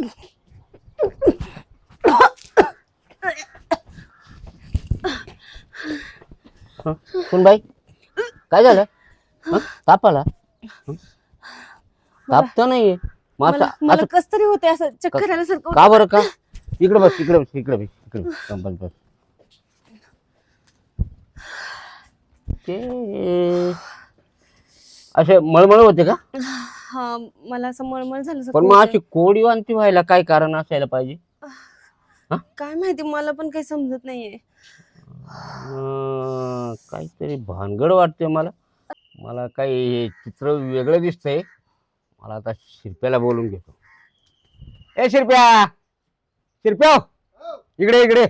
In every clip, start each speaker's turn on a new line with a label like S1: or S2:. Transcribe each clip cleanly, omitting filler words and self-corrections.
S1: कोण बाई काय झालं? ताप आला? ताप तर नाहीये.
S2: मला कस तरी होते असं चक्कर आल्यासारखं.
S1: का बरं? का? इकडे बस, इकडे बस, इकडे बस, इकडे बस, बस. ते असे मळमळ होते का?
S2: हा, मला असं मळमळ झालं.
S1: पण मग अशी कोडी वांती व्हायला काय कारण असायला पाहिजे?
S2: काय माहिती, मला पण काही समजत नाहीये.
S1: काहीतरी भानगड वाटते मला. मला काही हे चित्र वेगळं दिसतंय. मला आता शिरप्याला बोलून घेतो. ए शिरप्या, शिरप्या इकडे इकडे.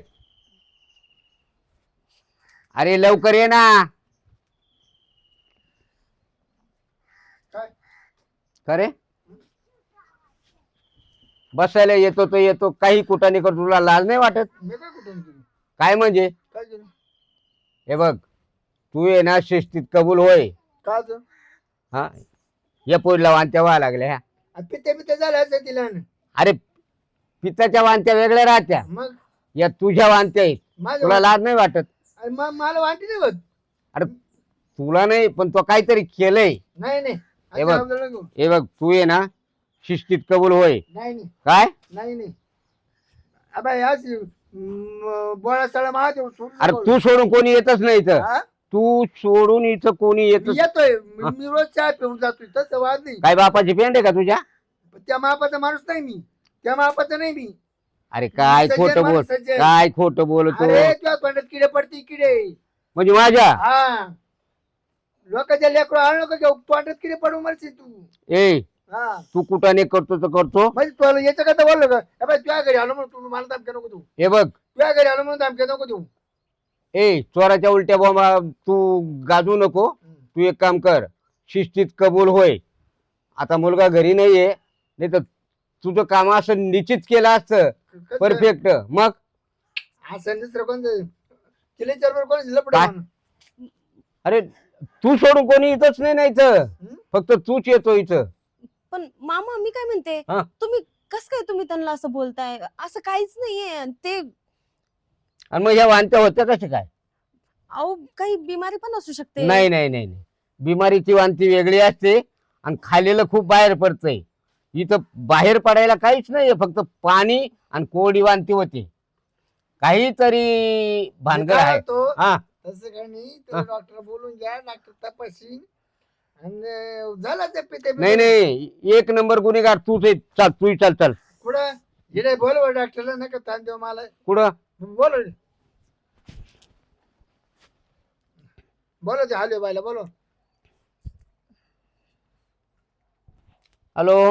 S1: अरे लवकर ये ना. खरे बसायला येतो तो येतो, काही कुठाने कर. तुला लाज नाही वाटत? काय म्हणजे? हे बघ, तू ये ना शिस्तीत कबूल होय. हा, या पोरीला वांत्या व्हायला लागल्या.
S3: पित्ते झालं तिला.
S1: अरे पित्ताच्या वांत्या वेगळ्या राहत्या,
S3: मग
S1: या तुझ्या वांत्या आहेत. तुला लाज नाही वाटत?
S3: मला वाटते नाही होत.
S1: अरे तुला नाही, पण तो काहीतरी केलंय.
S3: नाही
S1: हे बघ, तू ये ना शिस्तीत कबूल होय.
S3: नाही
S1: काय?
S3: नाही बोळा सळा महादेव.
S1: अरे तू सोडून कोणी येतच नाही इथं. तू सोडून इथं कोणी
S3: येतोय. मी रोज चहा पिऊन जातोय, तसं वाद नाही.
S1: काय बापाची पेंड आहे का तुझ्या?
S3: त्या मापाचा माणूस नाही मी. त्या मापाचा नाही मी.
S1: अरे काय खोटं बोल, काय खोटं बोलतो.
S3: अरे तुझ्या तोंडात किडे पडते, किडे
S1: म्हणजे माझ्या?
S3: हा, लोकांच्या लेकरं आणू नका घेऊ, तोंडात किडे पडू मरशील तू.
S1: ए तू कुठाने करतो तर करतो.
S3: म्हणजे तुला याचं काय बोललो का? तुझ्या घरी आलो म्हणून तू मला धमक्या नको देऊ.
S1: हे बघ,
S3: तुझ्या घरी आलो म्हणून धमक्या नको देऊ.
S1: ए चोराच्या उलट्या बॉम्बा तू गाजू नको. तू एक काम कर, शिस्तीत कबूल होय. आता मुलगा घरी नाहीये, नाही तर तुझं काम असं निश्चित केलं असतं परफेक्ट. मग
S3: असं दुसरं कोण तिला चरबर कोण लपडा?
S1: अरे तू सोडून कोणी येतच नाही इथं, फक्त तूच येतो इथं.
S2: पण मामा मी काय म्हणते, तुम्ही कस काय तुम्ही त्यांना असं बोलताय? असं काहीच नाहीये ते.
S1: आणि मग ह्या वांत्या होत्या कशा काय?
S2: अहो काही बिमारी पण असू शकते.
S1: नाही नाही नाही नाही, बिमारीची वांती वेगळी असते आणि खाल्लेलं खूप बाहेर पडतंय. इथं बाहेर पडायला काहीच नाहीये, फक्त पाणी आणि कोरडी वांती होते. काहीतरी भानगड आहे. हा
S3: तसं काही नाही. डॉक्टर बोलून घ्या, डॉक्टर तपासीन आणि झाला ते पिते.
S1: नाही, एक नंबर गुन्हेगार तूच आहे. चल तू चल चल.
S3: कुठं इकडे बोलव डॉक्टरला, नका ताण देऊ मला.
S1: कुठं
S3: बोलव ते हालवे बायला बोलव.
S1: हॅलो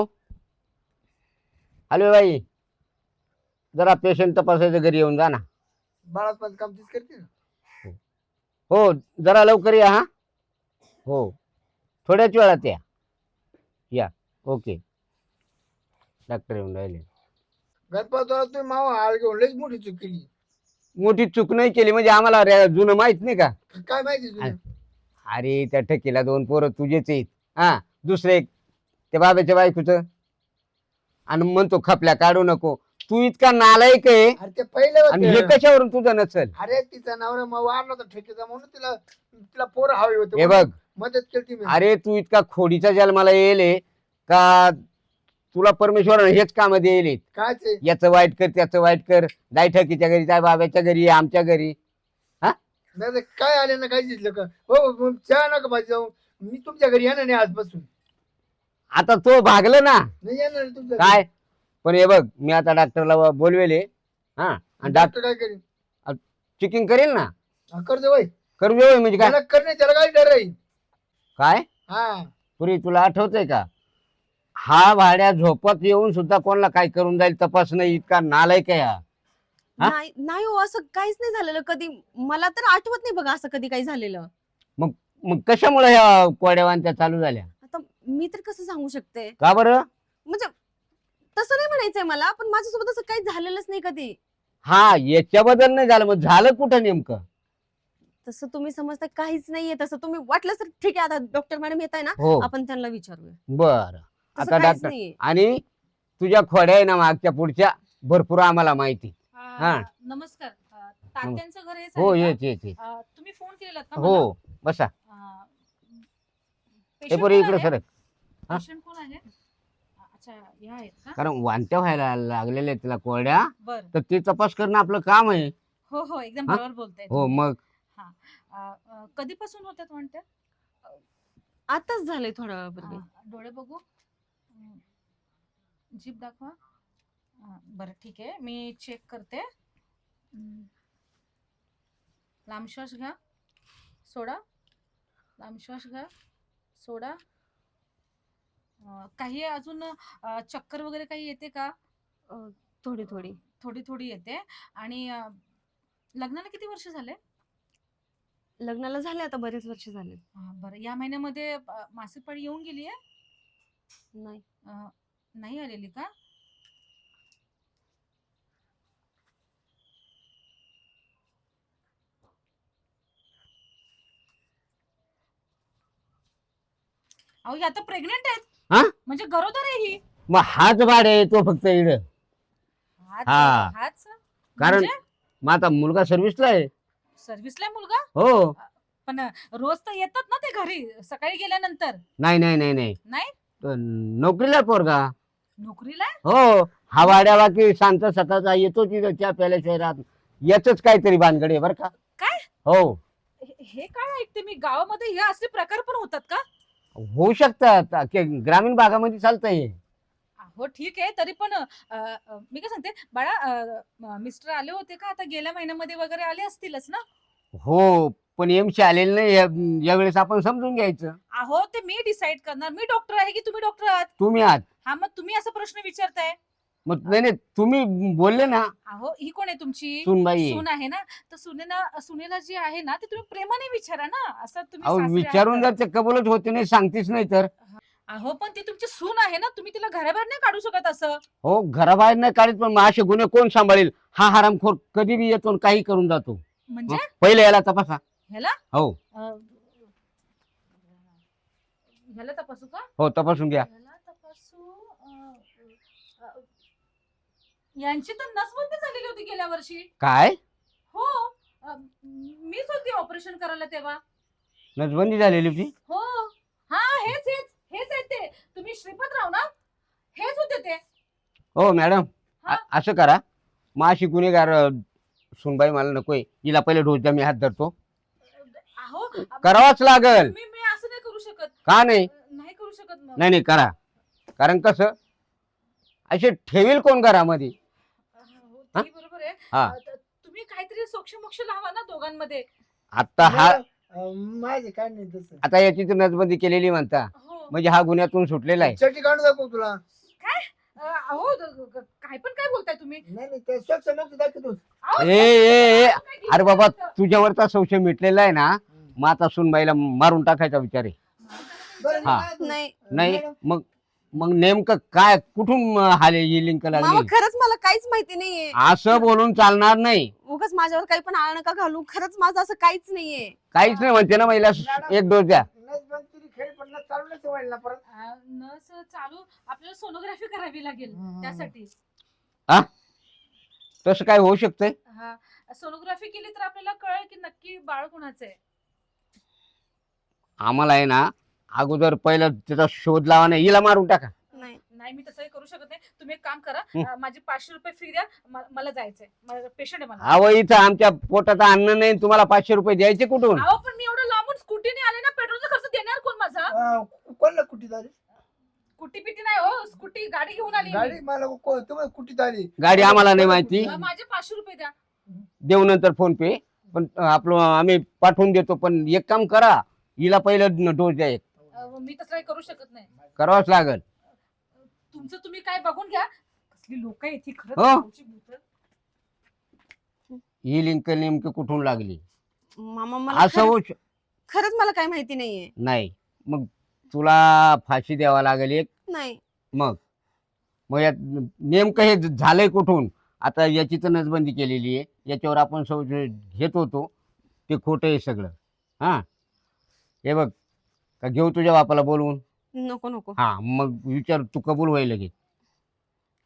S1: हॅलो बाई, जरा पेशंट तपासायचं, घरी येऊन जा ना.
S3: बाळात पण काम तीच करते ना.
S1: हो जरा लवकर या. हा हो, थोड्याच वेळात या. ओके. डॉक्टर येऊन राहिले.
S3: गणपत तुम्ही मावा हाळ घेऊन लईच मोठी चूक केली.
S1: मोठी चूक नाही केली म्हणजे आम्हाला जुनं माहित नाही का?
S3: काय माहिती तुला?
S1: अरे त्या ठकीला 2 पोरं तुझेच आहेत. हा, दुसरे एक त्या बाबाच्या बायकोचं. आणि म्हणतो खपल्या काढू नको. तू इतका नालायक आहे.
S3: अरे ते पहिलं
S1: आणि हे कशावरून तुझं नसेल?
S3: अरे तिचा नवरा वारला होता ठेकेचा म्हणून तिला पोरं हवे होते.
S1: हे बघ,
S3: मदत केली मी.
S1: अरे तू इतका खोडीचा जन्माला येईल का? तुला परमेश्वराने हेच काम देईल.
S3: काय
S1: याचं वाईट कर, त्याचं वाईट कर. जाय ठकीच्या घरी, जाय बाबाच्या घरी, आमच्या घरी.
S3: नाही काय आले ना, काय दिसलं का? हो चहा नका भाजी जाऊ. मी तुमच्या घरी येणार नाही आजपासून.
S1: आता तो भागलं ना.
S3: नाही येणार तुमच्या
S1: काय पण हे बघ, मी आता डॉक्टरला बोलवेले. हा, आणि
S3: डॉक्टर काय करेल?
S1: चेकिंग करेल ना.
S3: कर दे वय.
S1: करू दे म्हणजे काय?
S3: त्याला कर नाही, त्याला काय डर राहील?
S1: काय
S3: हा,
S1: पुरी तुला आठवतंय का? हा भाड्या झोपत येऊन सुद्धा कोणाला काय करून जाईल तपास नाही, इतका नालायक आहे हा.
S2: नाही हो, असं काहीच नाही झालेलं कधी. मला तर आठवत नाही बघा असं कधी काही झालेलं.
S1: मग कशामुळे ह्या कोड्यावांत्या चालू झाल्या?
S2: आता मी तर कसं सांगू शकते?
S1: का बरं?
S2: म्हणजे तसं नाही म्हणायचंय मला, पण माझ्यासोबत असं काही झालेलंच नाही कधी.
S1: हा, याच्याबद्दल नाही झालं, मग झालं कुठं नेमकं?
S2: तसं तुम्ही समजता काहीच नाहीये. तसं तुम्ही वाटलं तर ठीक आहे, आता डॉक्टर मॅडम येत आहे ना,
S1: हो
S2: आपण त्यांना विचारूया.
S1: बर.
S2: तसं
S1: आता
S2: काहीच
S1: डॉक्टर
S2: नाहीये.
S1: आणि तुझ्या खोड्या आहे ना मागच्या पुढच्या भरपूर आम्हाला माहिती. हा.
S4: नमस्कार. तात्यांचं घर हेच
S1: हो
S4: आहे
S1: येच
S4: का?
S1: येच येच.
S4: तुम्ही फोन केलेलात का
S1: हो बसा. हे पोरी इकडे सरक. हा?
S4: पेशंट कोण आहे? अच्छा, या आहेत का?
S1: कारण वांत्या व्हायला लागलेल्या तिला कोरड्या,
S4: बर.
S1: तर ते तपास करणं आपलं काम आहे.
S4: हो हो, एकदम
S1: हा?
S4: बरोबर बोलताय
S1: हो
S4: तुम्ही.
S1: मग
S4: कधीपासून होत्यात म्हणत्या?
S2: आताच झालंय थोड्या वेळापूर्वी.
S4: डोळे बघू. जीभ दाखवा. बरं ठीक आहे, मी चेक करते. लांब श्वास घ्या, सोडा. लांब श्वास घ्या, सोडा. काही अजून चक्कर वगैरे काही येते का?
S2: थोडी थोडी.
S4: थोडी थोडी येते. आणि लग्नाला किती वर्ष झाले?
S2: लग्नाला झाले आता बरेच वर्ष झाले.
S4: बरं, या महिन्यामध्ये मासिक पाळी येऊन गेली आहे?
S2: नाही.
S4: नाही आलेली का? अहो, ही आता प्रेग्नेंट आहेत.
S1: हा?
S4: म्हणजे गरोदर आहे ही.
S1: मग हाच भाड आहे तो फक्त इड. हा.
S4: हाच
S1: कारण मग आता मुलगा सर्व्हिसला आहे.
S4: सर्व्हिसला आहे मुलगा?
S1: हो.
S4: पण रोज तर येतात ना ते घरी सकाळी गेल्यानंतर?
S1: नाही नाही नाही नाही
S4: नाही?
S1: तो नोकरीला आहे पोरगा.
S4: नोकरीला आहे?
S1: हो. हा वाड्यावा की शांत सकाळचा येतो तिथं चहा प्यायला शहरात. याच काहीतरी भानगड आहे बरं का.
S4: काय?
S1: हो.
S4: हे काय ऐकते मी, गावामध्ये हे असले प्रकार पण होतात का?
S1: होऊ शकतात ग्रामीण भागामध्ये चालतंय.
S4: हो ठीक आहे, तरी पण मी काय सांगते बाळा, मिस्टर आले होते का आता गेल्या महिन्यामध्ये वगैरे? आले असतीलच ना?
S1: हो पण एमशी आलेलं नाही यावेळेस आपण समजून घ्यायचं.
S4: अहो, ते मी डिसाईड करणार. मी डॉक्टर आहे की तुम्ही डॉक्टर आहात?
S1: तुम्ही आहात.
S4: हा, मग तुम्ही असा प्रश्न विचारताय?
S1: मग नाही नाही तुम्ही बोलले ना.
S4: अहो, ही कोण आहे तुमची
S1: सुनबाई.
S4: सून आहे ना? तर सुनेला जी आहे ना, ते तुम्ही प्रेमाने विचारा ना. असं तुम्ही
S1: अहो
S4: सासरे
S1: विचारून
S4: आहात.
S1: जर ते कबूलच होते नाही सांगतेच नाही तर.
S4: अहो, पण ती तुमची सून आहे ना, तुम्ही तिला घराबाहेर नाही काढू शकत असं.
S1: हो घराबाहेर नाही काढत पण मग असे गुन्हे कोण सांभाळेल. हा हरामखोर कधी बी येतो आणि काही करून जातो.
S4: म्हणजे
S1: पहिले याला तपासा.
S4: ह्याला
S1: हो
S4: ह्याला तपासू का?
S1: हो तपासून घ्या.
S4: ह्याला तपासू. यांची तर नसबंदी झालेली होती गेल्या वर्षी.
S1: काय
S4: हो. मीच होती ऑपरेशन करायला तेव्हा.
S1: नसबंदी झालेली होती.
S4: हो. हा, हेच हेच हेच आहेत ते. तुम्ही श्रीपतराव ना? हेच होते ते.
S1: हो मॅडम
S4: हा?
S1: असं करा. मग अशी गुन्हेगार सुनबाई मला नकोय. हिला पहिले डोस द्या मी हात धरतो.
S4: अहो,
S1: करावाच लागल.
S4: मी असं नाही करू शकत.
S1: का नाही.
S4: नाही करू शकत मग.
S1: नाही नाही करा. कारण कसं असे ठेवील कोण घरामध्ये.
S4: हो, तेही बरोबर आहे.
S1: हा.
S4: तुम्ही काहीतरी सोक्ष लावा ना दोघांमध्ये.
S1: आता हा
S3: माझे काय नाही तसं.
S1: आता याची तर नसबंदी केलेली म्हणता
S4: हो.
S1: म्हणजे हा गुन्ह्यातून सुटलेला आहे.
S3: चटी काढून दाखव तुला.
S4: अहो, काय पण काय बोलताय तुम्ही?
S3: नाही नाही ते स्वच्छ मग दाखवतो.
S4: अहो,
S1: ए ए ए
S4: काय घेऊन
S1: अरे बाबा
S4: येतात?
S1: तुझ्यावरचा संशय मिटलेला आहे ना. मग आता सुनबाईला मारून टाकायचा विचार आहे.
S3: बरं,
S1: हा.
S3: काय तू?
S2: नाही
S1: नाही
S3: मॅडम,
S1: मग मग नेमकं काय कुठून हाले ही लिंक
S2: मामा
S1: लागली.
S2: खरंच मला काहीच माहिती नाहीये.
S1: असं बोलून चालणार नाही.
S2: उगाच माझ्यावर काही पण आळ नका घालू. खरंच माझं असं काहीच नाहीये.
S1: काहीच नाही म्हणते ना महिला. एक डोस द्या.
S3: नसबंदी खेळ पण चालू नाही व्हायला ना परत.
S4: नस चालू आपल्याला सोनोग्राफी करावी लागेल त्यासाठी.
S1: तसं काय होऊ शकतंय.
S4: हा, सोनोग्राफी केली तर आपल्याला कळेल की नक्की बाळ कोणाचं आहे.
S1: आम्हाला आहे ना अगोदर पहिलं त्याचा शोध लावा नाही. हिला मारून टाका.
S2: नाही
S4: नाही, मी तसंही करू शकत नाही. तुम्ही एक काम करा,
S1: हं.
S4: माझे 500 रुपये फी द्या. मला जायचंय, पेशंट आहे मला.
S1: अहो इथं आमच्या पोटात अन्न नाही. तुम्हाला 500 रुपये द्यायचे कुठून.
S4: अहो, पण मी एवढं लांबून स्कूटीने आले ना, पेट्रोलचा खर्च देणार कोण माझा?
S3: कोणला कुठे झाली
S4: कुटी पिटी नाही हो, स्कूटी गाडी घेऊन आली
S3: गाडी?
S4: मी.
S3: मला तुम्हाला कुठे झाली?
S1: गाडी आम्हाला नाही माहिती.
S4: माझे 500 रुपये द्या.
S1: देऊ नंतर फोन पे. पण आपलं आम्ही पाठवून देतो. पण एक काम करा. हिला पहिलं डोस द्या. एक
S4: मी तसं काही करू शकत नाही.
S1: करावंच लागल.
S4: तुमचं तुम्ही काय बघून घ्या. कसली लोक आहेत ही खरंच.
S1: हो.
S4: गावची भूतं.
S1: ही लिंक नेमकी कुठून लागली
S2: मामा मला
S1: असं होऊ
S2: खरंच मला काही माहिती नाहीये.
S1: नाही. मग तुला फाशी द्यावा लागेल एक.
S2: नाही
S1: मग मग यात नेमकं हे झालंय कुठून. आता याची तर नसबंदी केलेली आहे. याच्यावर आपण घेत होतो ते खोटं आहे सगळं. हा हे बघ का घेऊ तुझ्या बापाला बोलवून.
S2: नको नको.
S1: हा मग विचार तू कबूल व्हायला लगेच.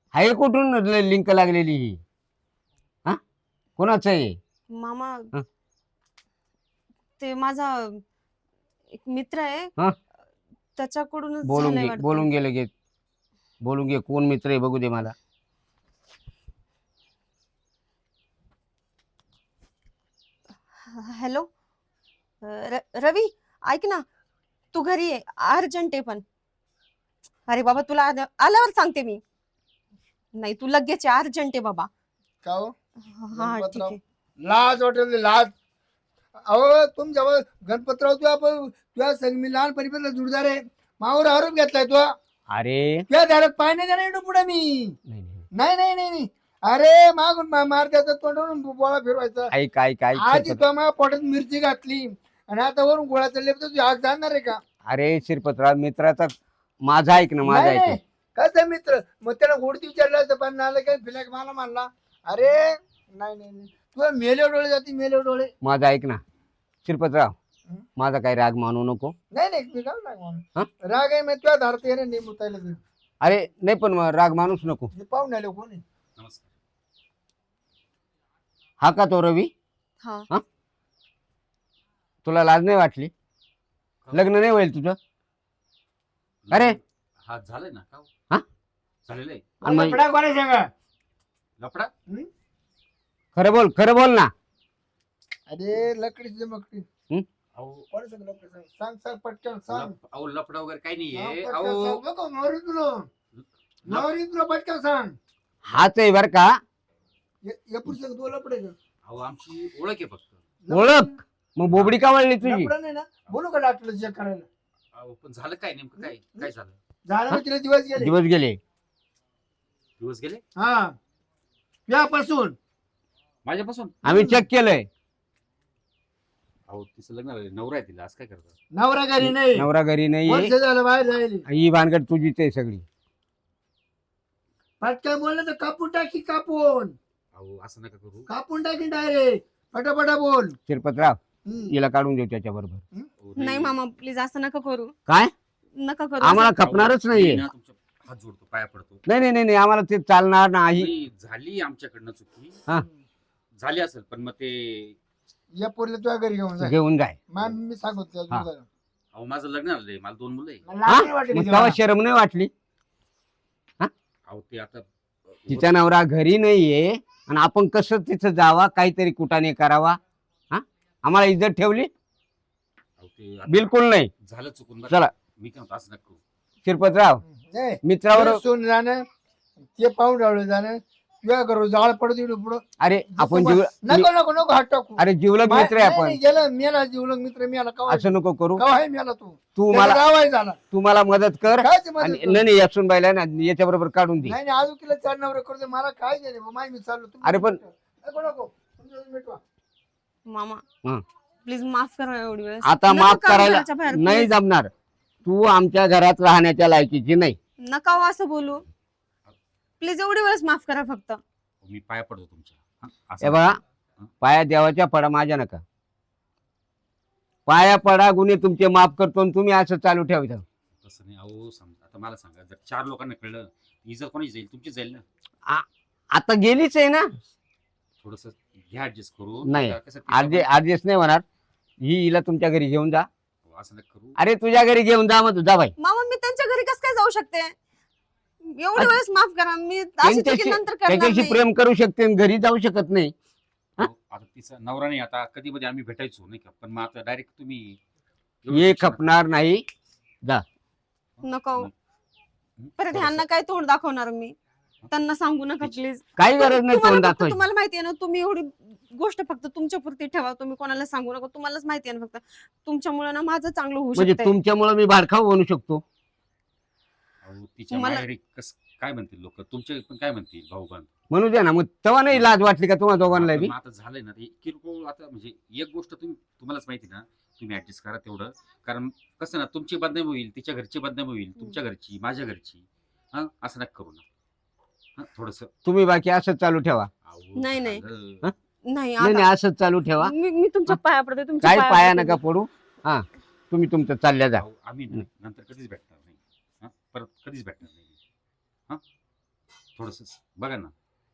S1: आहे कुठून लिंक लागलेली ही? हा, कोणाचं आहे?
S2: मामा
S1: हं?
S2: ते माझा एक मित्र आहे
S1: हं?
S2: त्याच्याकडूनच
S1: बोलून
S2: झालंय
S1: घे,
S2: वाटतं.
S1: बोलून गेले गे, बोलून घे. कोण मित्र आहे बघू दे मला.
S2: हॅलो रवी, ऐक ना, तू घरी आहे, अर्जंट आहे पण. अरे बाबा तुला आल्यावर सांगते मी. नाही तू लगेच अर्जंट आहे बाबा.
S3: का हो?
S2: हा ठीक
S3: गणपतराव.
S2: आहे.
S3: लाज वाटेल लाज. अहो तुमच्या गणपतराव तुझ्या संग मी लहानपणीपासून जुडदार आहे. मावर आरोप घेतलाय तू.
S1: अरे
S3: तुझ्या दारात पाय नाही देणार पुढे मी.
S1: नाही, नाही.
S3: नाही नाही नाही नाही. अरे मागून मार द्यायचा, तोंडवरून बोळा फिरवायचा.
S1: ऐक ऐक ऐक
S3: आधी
S1: शिरपत-
S3: तो माझ्या पोटात मिरची घातली आणि आता वरून गोळा चालले तर तू आज जाणार आहे का?
S1: अरे शिरपतराव, मित्राचा माझा ऐक ना, माझा
S3: नाही,
S1: ऐक.
S3: नाही. कसं मित्र? मग त्याला गोडती विचारलं तर पण आलं काय फिलाक मला मानला. अरे नाही नाही नाही. तुला मेले डोळे जाते, मेले डोळे.
S1: माझा ऐक ना शिरपतराव,
S3: हं?
S1: माझा काही राग मानू नको.
S3: नाही नाही मी काय राग मानू?
S1: हं?
S3: राग आहे मग तुझ्या धारत येणे नाही मुतायला ते.
S1: अरे नाही, पण मग राग मानूच नको.
S3: हे पाहून आले कोणी?
S5: नमस्कार.
S1: हा का तो रवी?
S2: हा
S1: तुला लाज नाही वाटली? लग्न नाही होईल तुझं? अरे
S5: हा झालंय ना का हो?
S1: हा?
S5: झालेलं आहे.
S1: आणि मग-
S3: लफडा कोणी सांगा?
S5: लफडा
S1: खरं बोल, खरं बोल ना.
S3: अरे लकडीची मकडी.
S5: अहो
S3: कोणी सांग लफडा सांग. सांग सांग पटकन सांग.
S5: अहो लफडा वगैरे काही
S3: हा,
S5: नाहीये.
S3: पटकन
S5: अहो
S3: सांग. नको नवरी तुला. नवरी तुला पटकन सांग.
S1: हाच आहे बर का.
S3: या पुस्तक तू लफडे का?
S5: अहो आमची ओळख आहे फक्त.
S1: ओळख? मग बोबडी का वळली तुझी?
S3: लफडा नाही ना, बोलू का डॉक्टर चेक करायला?
S5: अहो पण झालं काय नेमकं? काय काय झालं?
S3: झालं मग तिला दिवस गेले.
S1: दिवस गेले.
S5: दिवस गेले
S3: हा यापासून
S5: माझ्यापासून.
S1: आम्ही चेक केलंय.
S5: अहो तिचं लग्न झालं, नवरा आहे तिला. आज काय करतात?
S3: नवरा घरी नाही.
S1: नवरा घरी नाहीये.
S3: वर्ष झालं बाहेर जायला.
S1: ही भानगड तुझीच आहे सगळी.
S3: पटकन बोललं तर कापून टाकी, कापून
S5: अहो असं नका करू.
S3: कापून टाकी डायरेक्ट. पटापटा बोल.
S1: शिरपतराव,
S3: हम्म.
S1: हिला काढून देऊ त्याच्या बरोबर.
S5: अहो,
S2: नाही मामा प्लीज असं नका करू.
S1: काय?
S2: नका करू
S1: आम्हाला
S2: असं.
S1: खपणारच
S5: मी
S1: नाहीये.
S5: ना तुमच्या हात जोडतो, पाया पडतो.
S1: नाही नाही नाही नाही, आम्हाला ते चालणार नाही.
S5: नाही, झाली आमच्याकडनं चुकी.
S1: हा.
S5: झाली असेल पण मग ते
S3: या पोरले तुझ्या घरी घेऊन जाय.
S1: घेऊन जाय.
S3: मी सांगतो
S1: हा.
S5: अहो माझं लग्न झालंय, मला 2 मुलं आहे.
S1: हा? मग तेव्हा शरम नाही वाटली?
S5: अहो ते आता
S1: तिचा नवरा घरी नाहीये आणि आपण कसं तिथं जावा, काहीतरी कुटाने करावा? हा, आम्हाला इज्जत ठेवली?
S5: अहो, ते आता
S1: बिलकुल नाही.
S5: झालं चुकून बरं.
S1: चला
S5: मी काय म्हणतो असं नका करू.
S1: शिरपतराव, मित्रावर.
S3: सोन जाणं ते पाहून रावलं जाणं तुझ्या घरो जाळ पडतो पुढं.
S1: अरे आपण जीव
S3: नको नको नको हात टाकू.
S1: अरे जीवलग मित्र आहे आपण.
S3: गेलं मेला जीवलग मित्र मेला कवा
S1: असं नको करू.
S3: कवा आहे मेला तू.
S1: तू
S3: त्याला
S1: मला
S3: गावाही झाला.
S1: तू मला मदत कर.
S3: काय ते मदत
S1: आणि
S3: करू?
S1: नाही यासून बायला ना याच्या बरोबर काढून दे.
S3: नाही नाही अजून तिला 4 नवरे करू दे. मला काय गेले माय मी चाललो. तुम्ही
S1: अरे पण-
S3: नको नको तुम्ही मिटवा.
S2: मामा
S1: हं.
S2: प्लीज माफ करा एवढी वेळेस.
S1: आता
S2: नका
S1: माफ
S2: काढू
S1: करायला
S2: घराच्या बाहेर,
S1: नाही
S2: please.
S1: जमणार. तू आमच्या घरात राहण्याच्या लायकीची नाही.
S2: नका हो असं बोलू. प्लीज एवढी वेळेस माफ करा फक्त.
S5: मी पाया पडतो तुमच्या. हा? असं
S1: हे बघा,
S5: नका.
S1: पाया देवाच्या पडा माझ्या नका. पाया पडा गुन्हे तुमचे माफ करतो आणि तुम्ही असं चालू ठेवता.
S5: तसं नाही. अहो समजा आता मला सांगा, जर 4 लोकांना कळलं इज्जत कोणाची जाईल? तुमची जाईल ना.
S1: आता गेलीच आहे ना.
S5: थोडस घ्या ऍडजस्ट करू.
S1: नाही.
S5: कसं तिचं
S1: आदेश नाही होणार. हिला तुमच्या घरी घेऊन जा.
S5: पण- असं नका करू.
S1: अरे तुझ्या घरी घेऊन जा, मग तुझा बाई.
S2: मामा मी त्यांच्या घरी कसं काय जाऊ शकते? एवढी वेळेस माफ करा. मी अशी चुकी
S1: त्यांच्याशी
S2: नंतर करणार
S1: त्याच्याशी
S2: नाही.
S1: प्रेम करू शकते आणि घरी जाऊ शकत नाही.
S5: अहो, आता तिचा नवरा नाही. आता कधी मध्ये आम्ही भेटायचो नाही का, पण मग आता डायरेक्ट तुम्ही
S1: ये खपणार नाही.
S2: नको
S5: हं?
S2: परत
S5: थोडंसं-
S2: ह्यांना काय तोंड दाखवणार मी? त्यांना सांगू नका प्लीज.
S1: काही गरज नाही तोंड दाखवायची.
S2: तुम्हाला माहिती आहे ना, तुम्ही एवढी गोष्ट फक्त तुमच्या पुरती ठेवा. तुम्ही कोणाला सांगू नका. तुम्हालाच माहिती आहे ना, फक्त तुमच्यामुळे ना माझं चांगलं होऊ
S1: म्हणजे
S2: शकतं.
S1: तुमच्यामुळे मी भाडखाऊ बनू शकतो.
S5: अहो, तिच्या
S2: मला-
S5: माहेरी काय म्हणतील लोक? तुमचे पण काय म्हणतील भाऊ बंद?
S1: म्हणू द्या ना. मग तेव्हा नाही लाज वाटली का तुम्हाला दोघांना बी?
S5: आता झालंय ना ते किरकोळ. आता म्हणजे एक गोष्ट तुम्हालाच माहिती ना, तुम्ही ऍडजस्ट करा तेवढं. कारण कसं ना, तुमची बदनामी होईल, तिच्या घरची बदनामी होईल, तुमच्या घरची, माझ्या घरची. हा, असं नका करू ना. हा, थोडस.
S1: तुम्ही बाकी असंच चालू ठेवा.
S2: नाही, नाही.
S1: हं?
S2: नाही
S1: नाही
S2: आता
S1: नाही, असंच चालू ठेवा.
S2: मी तुमच्या पाया पडते. तुमच्या
S1: काही पाया
S2: पडते.
S1: नका पडू. हा, तुम्ही तुमचं चालल्या जा.
S5: आम्ही ना नंतर कधीच भेटणार नाही. हा, परत कधीच भेटणार नाही. हा, थोडस बघा ना.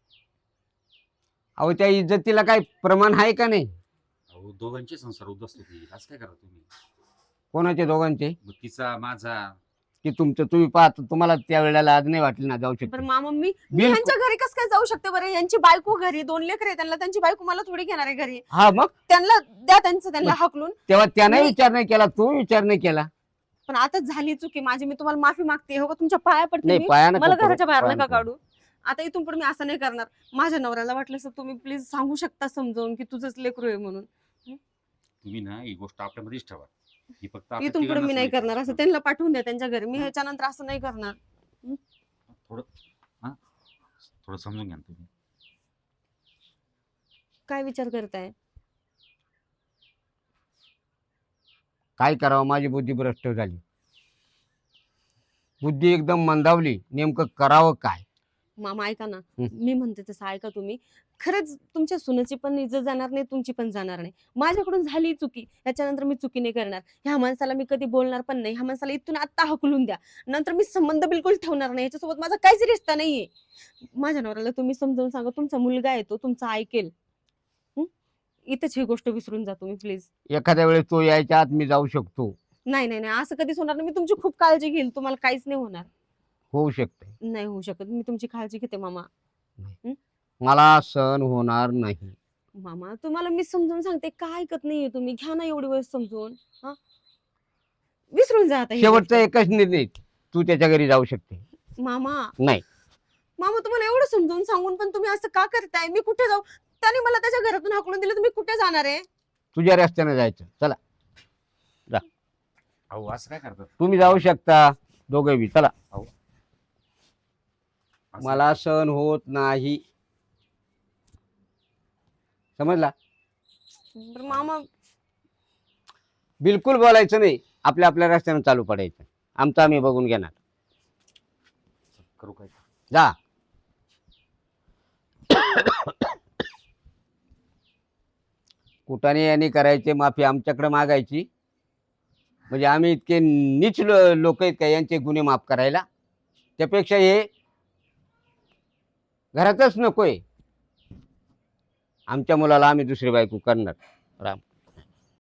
S1: अहो त्या इज्जतीला काही प्रमाण आहे का नाही?
S5: अहो दोघांचे संसार उद्ध्वस्त होतील, असं काय करा तुम्ही?
S1: कोणाचे दोघांचे?
S5: मग तिचा माझा.
S1: की तुमचं तुम्ही पाहतो, तुम्हाला त्या वेळेला आज नाही वाटली ना जाऊ
S2: बरं
S1: शकतो?
S2: मामा, मी
S1: बिलकुल.
S2: यांच्या घरी कसं काय जाऊ शकते बरं? यांची बायको घरी, 2 लेकर आहे त्यांना, त्यांची बायको मला थोडी घेणार आहे घरी.
S1: हा मग
S2: त्यांना द्या त्यांना हकलून.
S1: तेव्हा त्याने
S2: मी-
S1: विचार नाही केला, तू विचार नाही केला.
S2: पण आता झाली चुकी माझी, मी तुम्हाला माफी मागते. हो का, तुमच्या पाया पडते
S1: नाही
S2: मी.
S1: पायानं
S2: मला
S1: करू,
S2: घराच्या बाहेर
S1: पायानं
S2: नका
S1: करू.
S2: काढू. आता इथून पुढे मी असं नाही करणार. माझ्या नवऱ्याला वाटलं असं तुम्ही प्लीज सांगू शकता समजावून की तुझंच लेकरू आहे म्हणून.
S5: तुम्ही ना ही गोष्ट आपल्यामध्येच ठेवा. ही फक्त आपल्या
S2: इथून पुढे मी
S5: तिघांनाच
S2: नाही
S5: माहिती.
S2: करणार. असं त्यांना पाठवून द्या त्यांच्या घरी. मी ह्याच्यानंतर असं नाही करणार.
S5: थोडं हा थोडं समजून घ्या ना तुम्ही.
S2: काय विचार करताय?
S1: काय करावं, माझी बुद्धी भ्रष्ट झाली, बुद्धी एकदम मंदावली, नेमकं करावं काय?
S2: मामा ऐका ना,
S1: हं.
S2: मी म्हणते तसं ऐका तुम्ही. खरंच तुमच्या सुनेची पण इज्जत जाणार नाही, तुमची पण जाणार नाही. माझ्याकडून झाली चुकी, याच्यानंतर मी चुकी नाही करणार. ह्या माणसाला मी कधी बोलणार पण नाही. ह्या माणसाला इथून आत्ता हकलून द्या. नंतर मी संबंध बिलकुल ठेवणार नाही. याच्यासोबत माझा काहीच रिश्ता नाहीये. माझ्या नवऱ्याला तुम्ही समजावून सांगा, तुमचा मुलगा आहे तो, तुमचा ऐकेल. इथेच ही गोष्ट विसरून जा तुम्ही प्लीज.
S1: एखाद्या वेळेस तो यायच्या आत मी जाऊ शकतो,
S2: नाही नाही नाही, असं कधीच होणार नाही. मी तुमची खूप काळजी घेईल, तुम्हाला काहीच नाही होणार.
S1: होऊ शकते.
S2: नाही होऊ शकत. मी तुमची काळजी घेते मामा.
S1: मला सहन होणार नाही.
S2: मामा तुम्हाला मी समजून सांगते, काय ऐकत नाहीये तुम्ही. घ्या ना एवढी वेळ समजून. हा, विसरून जा आता ही
S1: शेवटचा
S2: गोष्ट.
S1: एकच निर्णय, तू त्याच्या घरी जाऊ शकते.
S2: मामा
S1: नाही,
S2: मामा तुम्हाला एवढं समजून सांगून पण तुम्ही असं का करताय? मी कुठे जाऊ? त्याने मला त्याच्या घरातून हाकलून दिलं, तुम्ही कुठे जाणार आहे?
S1: तुझ्या रस्त्याने जायचं. चला,
S5: अहो असं काय करतात?
S1: तुम्ही जाऊ शकता दोघे बी. चला,
S5: असं-
S1: मला सहन होत नाही, समजला?
S2: बरं मामा,
S1: बिलकुल बोलायचं नाही, आपल्या आपल्या रस्त्याने चालू पडायचं. आमचं आम्ही बघून घेणार.
S5: करू काय?
S1: जा. कुठाने यांनी करायचे, माफी आमच्याकडे मागायची. म्हणजे आम्ही इतके नीच लोक आहेत का यांचे गुन्हे माफ करायला? त्यापेक्षा हे घरातच नकोय. आमच्या मुलाला आम्ही दुसरी बायको करणार. राम.